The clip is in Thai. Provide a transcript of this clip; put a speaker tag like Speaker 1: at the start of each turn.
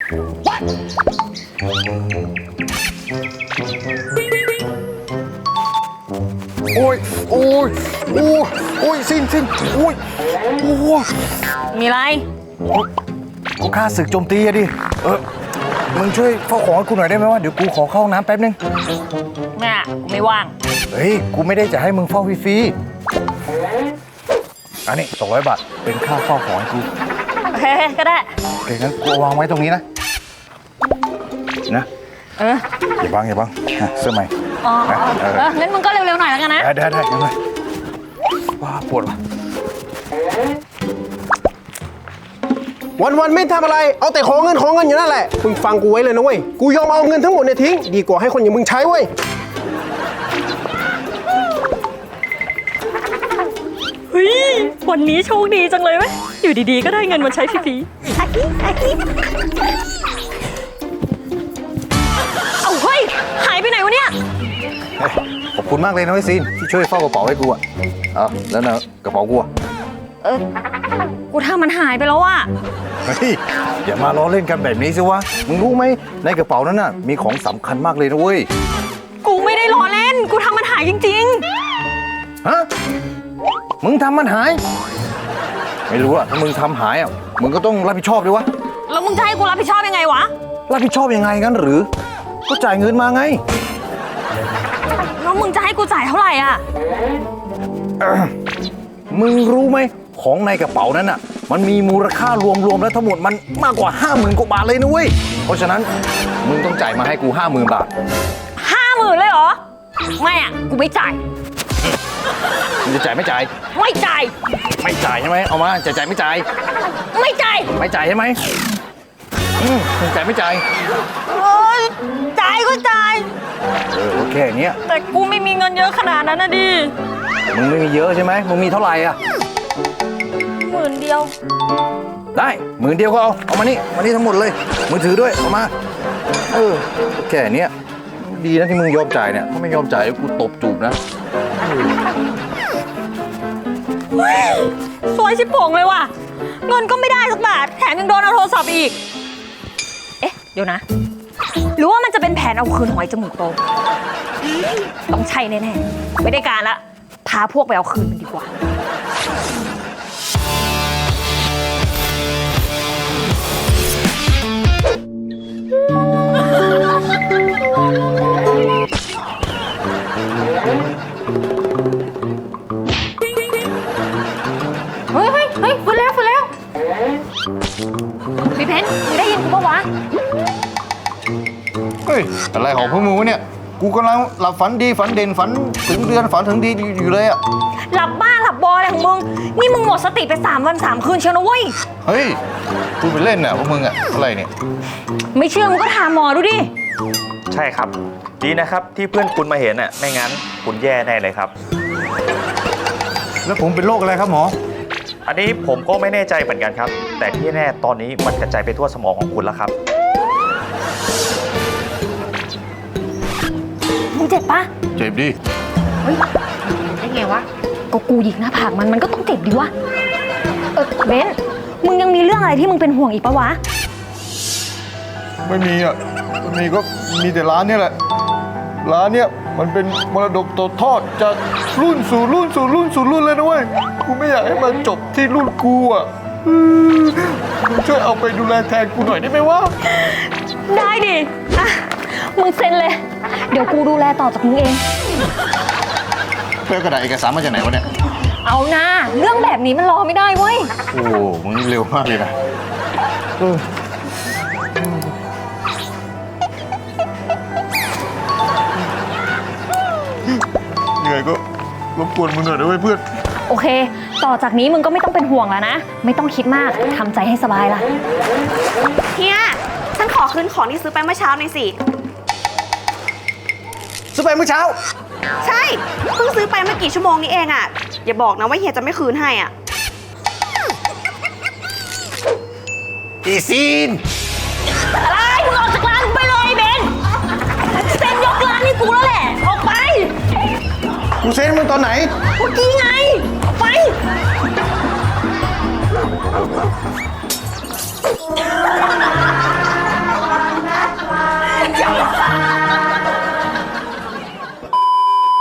Speaker 1: โอ้ยโอ้ยโอ้ยโอ้ยสิ้นโอ้ยโอ้ย
Speaker 2: มีอะไร
Speaker 1: กูฆ่าศึกโจมตีอะดิมึงช่วยเฝ้าของให้กูหน่อยได้ไหมวะเดี๋ยวกูขอเข้าห้องน้ำแป๊บนึง
Speaker 2: น่ะกูไม่ว่าง
Speaker 1: เฮ้ยกูไม่ได้จะให้มึงเฝ้าฟรีๆอันนี้200 บาทเป็นค่าเฝ้าของให้กู
Speaker 2: โอเคก็ได้
Speaker 1: โอเคงั้นกูวางไว้ตรงนี้นะอย่าบังเสื้อใหม่
Speaker 2: อ๋องั้นมึงก็เร็วๆหน่อยแล้วกันนะ
Speaker 1: ได้ยังไงว้าปวดว่ะ
Speaker 3: วันไม่ทำอะไรเอาแต่ของเงินอยู่นั่นแหละมึงฟังกูไว้เลยนะเว้ยกูยอมเอาเงินทั้งหมดเนี่ยทิ้งดีกว่าให้คนอย่างมึงใช้เว้ย
Speaker 2: เฮ้ยวันนี้โชคดีจังเลยเว้ยอยู่ดีๆก็ได้เงินมาใช้ฟรีๆเอาเฮ้ยหายไปไหนวะเนี่ย
Speaker 1: ขอบคุณมากเลยนะไอ้ซีนที่ช่วยเฝ้ากระเป๋าให้กูอะแล้วนะกระเป๋ากูอะ
Speaker 2: กูทำมันหายไปแล้วอะ
Speaker 1: เฮ้ยอย่ามาล้อเล่นกันแบบนี้สิวะมึงรู้ไหมในกระเป๋านั้นน่ะมีของสำคัญมากเลยนะเว้ย
Speaker 2: กูไม่ได้ล้อเล่นกูทำมันหายจริง
Speaker 1: ๆฮะมึงทำมันหายไม่รู้อะถ้ามึงทำหายอะมึงก็ต้องรับผิดชอบด้วยวะ
Speaker 2: แล้วมึงจะให้กูรับผิดชอบยังไงวะ
Speaker 1: รับผิดชอบยังไงงั้นหรือก็จ่ายเงินมาไง
Speaker 2: แล้วมึงจะให้กูจ่ายเท่าไหร่อะ
Speaker 1: มึงรู้ไหมของในกระเป๋านั้นน่ะมันมีมูลค่ารวมแล้วทั้งหมดมันมากกว่า 50,000 กว่าบาทเลยนะเว้ยเพราะฉะนั้นมึงต้องจ่ายมาให้กู 50,000 บาท
Speaker 2: 50,000เลยเหรอไม่อะกูไม่จ่าย
Speaker 1: มึงจะจ่ายไม่จ่าย
Speaker 2: ไม่จ่าย
Speaker 1: ใช่ไหมเอามาจ่ายไม่จ่าย
Speaker 2: ไม่จ่าย
Speaker 1: ใช่ไหมมึงจ่ายไม่จ่าย
Speaker 2: จ่ายก็จ่าย
Speaker 1: โอเคเนี้ย
Speaker 2: แต่กูไม่มีเงินเยอะขนาดนั้นนะดิ
Speaker 1: มึงไม่มีเยอะใช่ไหมมึงมีเท่าไหร่อะ
Speaker 2: 10,000 เดียว
Speaker 1: ได้10,000 เดียวก็เอามานี่ทั้งหมดเลยมือถือด้วยเอามาแค่เนี้ยดีนะที่มึงยอมจ่ายเนี่ยถ้าไม่ยอมจ่ายกูตบจูบนะ
Speaker 2: สวยชิบโป่งเลยว่ะเงินก็ไม่ได้สักบาทแถมยังโดนเอาโทรศัพท์อีกเดี๋ยวนะหรือว่ามันจะเป็นแผนเอาคืนหอยจมูกโตต้องใช่แน่ๆไม่ได้การละพาพวกไปเอาคืนมันดีกว่าเฮ้ยฟื้นแล้วพี่เพนได้ยินกูปะวะ
Speaker 1: เฮ้ยอะไรของพวกมึงวะเนี่ยกูกำลังหลับฝันดีฝันเด่นฝันถึงเดือนฝันถึงดีอยู่เลยอะ
Speaker 2: หลับบ้าหลับบออะไรของมึงนี่มึงหมดสติไป3 วัน 3 คืนเชียวนะเว้ย
Speaker 1: เฮ้ยพูดไปเล่นน่ะพวกมึงอะอะไรเนี่ย
Speaker 2: ไม่เชื่อมึงก็ถามหมอดูดิ
Speaker 4: ใช่ครับดีนะครับที่เพื่อนคุณมาเห็นน่ะไม่งั้นคุณแย่แน่เลยครับ
Speaker 1: แล้วผมเป็นโรคอะไรครับหมอ
Speaker 4: อันนี้ผมก็ไม่แน่ใจเหมือนกันครับแต่ที่แน่ตอนนี้มันกระจายไปทั่วสมองของคุณแล้วครับ
Speaker 2: มึงเจ็บปะ
Speaker 1: เจ็บดิ
Speaker 2: เฮ้ยได้ไงวะก็กูหยิกหน้าผากมันก็ต้องเจ็บดิวะเบนมึงยังมีเรื่องอะไรที่มึงเป็นห่วงอีกปะวะ
Speaker 1: ไม่มีอ่ะมีก็มีแต่ร้านเนี่ยแหละร้านเนี่ยมันเป็นมรดกตกทอดจากรุ่นสู่รุ่นเลยนะเว้ยกูไม่อยากให้มันจบที่รุ่นกูอ่ะมึงช่วยเอาไปดูแลแทนกูหน่อยได้ไหมวะ
Speaker 2: ได้ดิมึงเซ็นเลยเดี๋ยวกูดูแลต่อจากมึงเอง
Speaker 1: เพื่อกระดาษเอกสารมาจากไหนวะเนี่ย
Speaker 2: เอานะเรื่องแบบนี้มันรอไม่ได้เว้ย
Speaker 1: โอ้มึงเร็วมากเลยนะเหนื่อยก็รบกวนมึงหน่อยด้วยเพื่อน
Speaker 2: โอเคต่อจากนี้มึงก็ไม่ต้องเป็นห่วงแล้วนะไม่ต้องคิดมากทำใจให้สบายละ
Speaker 5: เฮียฉันขอคืนของที่ซื้อไปเมื่อเช้าหน่อยสิ
Speaker 1: ซื้อไปเมื่อเช้า
Speaker 5: ใช่เพิ่งซื้อไปเมื่อกี่ชั่วโมงนี้เองอ่ะอย่าบอกนะว่าเฮียจะไม่คืนให้อ่ะ
Speaker 1: อีซีน
Speaker 2: อะไรมึงออกจากร้านไปเลยเบนเซ็นยกร้านให้กูแล้วแหละออกไป
Speaker 1: กูเซ็นมึงตอนไหน
Speaker 2: เมื่อกี้ไงไป